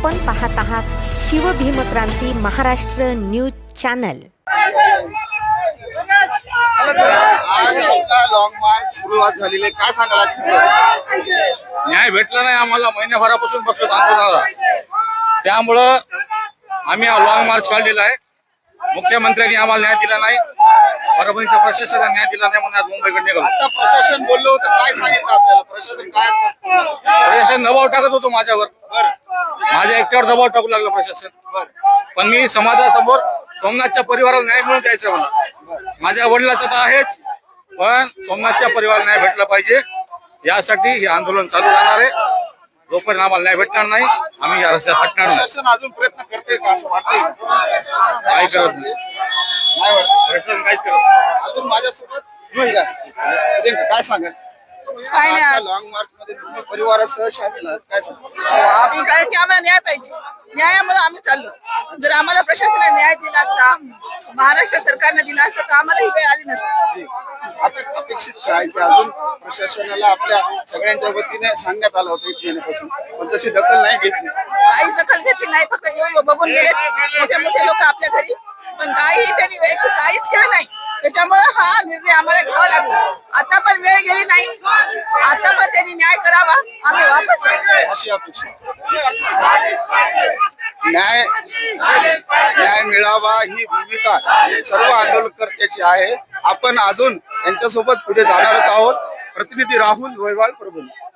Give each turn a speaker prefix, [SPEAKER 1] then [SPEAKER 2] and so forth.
[SPEAKER 1] आपण पाहत आहात शिवभीमक्रांती महाराष्ट्र न्यूज चॅनल।
[SPEAKER 2] आज आपला लॉंग मार्च सुरुवात झालेली आहे, काय सांगाल?
[SPEAKER 3] न्याय भेटला नाही आम्हाला, महिन्याभरापासून बसलो आंदोलनाला। त्यामुळं आम्ही हा लॉंग मार्च काढलेला आहे। मुख्यमंत्र्यांनी आम्हाला न्याय दिला नाही, परभणीच्या प्रशासनाने न्याय दिला नाही म्हणून आज मुंबईकडे निघालो।
[SPEAKER 2] आता प्रशासन बोललो होतं, काय सांगितलं आपल्याला? प्रशासन काय
[SPEAKER 3] प्रशासन दबाव टाकत होतो माझ्यावर, माझ्या एकट्यावर दबाव टाकू लागलं प्रशासन। पण मी समाजासमोर सोमनाथच्या परिवाराला न्याय मिळवून द्यायचं मला। माझ्या वडिलाचं तर आहेच, पण सोमनाथच्या परिवाराला न्याय भेटला पाहिजे, यासाठी हे आंदोलन चालू राहणार आहे। जोपर्यंत आम्हाला न्याय भेटणार नाही, आम्ही या रस्त्यात हटणार नाही।
[SPEAKER 2] प्रशासन अजून प्रयत्न करते का असं वाटतंय?
[SPEAKER 3] काय करत नाही,
[SPEAKER 2] काय वाटतं?
[SPEAKER 3] प्रशासन काय करत
[SPEAKER 2] अजून माझ्यासोबत काय सांगाल?
[SPEAKER 4] काय नाही,
[SPEAKER 2] लॉंग मार्च मध्ये तुम्ही परिवारासह शामिल आहात, काय सांगाल?
[SPEAKER 4] आम्ही कारण की आम्हाला न्याय पाहिजे, न्यायामुळे आम्ही चाललो। जर आम्हाला प्रशासनाने न्याय दिला असता, महाराष्ट्र सरकारने दिला असता, तर आम्हाला ही वेळ आली नसती।
[SPEAKER 2] अपेक्षित काय की अजून प्रशासनाला आपल्या सगळ्यांच्या वतीने सांगण्यात आलं होतं इथे येण्यापासून, पण तशी दखल नाही घेतली।
[SPEAKER 4] काहीच दखल घेतली नाही, फक्त येऊन बघून गेले मोठे मोठे लोक आपल्या घरी, पण काही त्यांनी काहीच केलं नाही। त्याच्यामुळे हा निर्णय आम्हाला घ्यावा लागला। आता पण वेळ गेली नाही, आता पण त्यांनी न्याय करावा, आम्ही वापस येऊ।
[SPEAKER 2] अशी अपेक्षा न्याय मिळावा ही भूमिका सर्व आंदोलनकर्त्याची आहे। आपण अजून यांच्यासोबत पुढे जाणारच आहोत। प्रतिनिधी राहुल वैवाळ, परभणी।